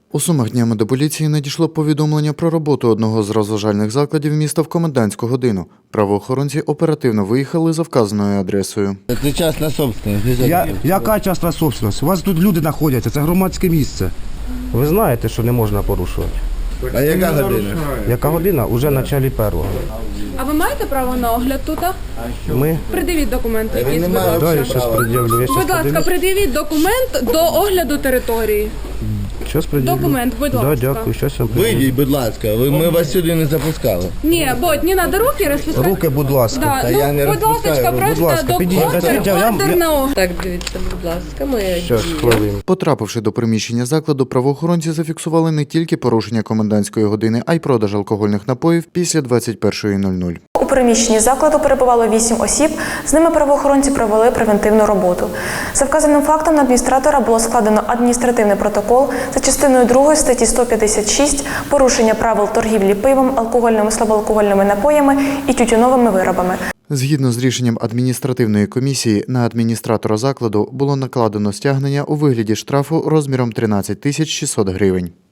У Сумах днями до поліції надійшло повідомлення про роботу одного з розважальних закладів міста в комендантську годину. Правоохоронці оперативно виїхали за вказаною адресою. Це частна собственность. Яка частна собственность? У вас тут люди знаходяться, це громадське місце. Ви знаєте, що не можна порушувати. А яка година? Яка година? Уже в началі першого. А ви маєте право на огляд тут? Ми? Придивіть документи якісь, будь ласка. Да, я щас пред'явлю. Будь ласка, придивіть документ до огляду території. Щас пред'явлю. Документ, будь Да, ласка. дякую, щас я пред'явлю. Вийдіть, будь ласка, ми вас сюди не запускали. Ні, Бодь, не треба руки розпускати. Руки, будь ласка. Да, Та я не будь розпускаю ласка, руки. просто Будь ласка, підійдіть, ордер на огляд. Так, дивіться, будь ласка, моя Щас, дія. хвилину. Потрапивши до приміщення закладу, правоохоронці зафіксували не тільки порушення комендантської години, а й продаж алкогольних напоїв після 21:00. У приміщенні закладу перебувало 8 осіб, з ними правоохоронці провели превентивну роботу. За вказаним фактом на адміністратора було складено адміністративний протокол за частиною 2 статті 156 «Порушення правил торгівлі пивом, алкогольними, слабоалкогольними напоями і тютюновими виробами». Згідно з рішенням адміністративної комісії, на адміністратора закладу було накладено стягнення у вигляді штрафу розміром 13 600 гривень.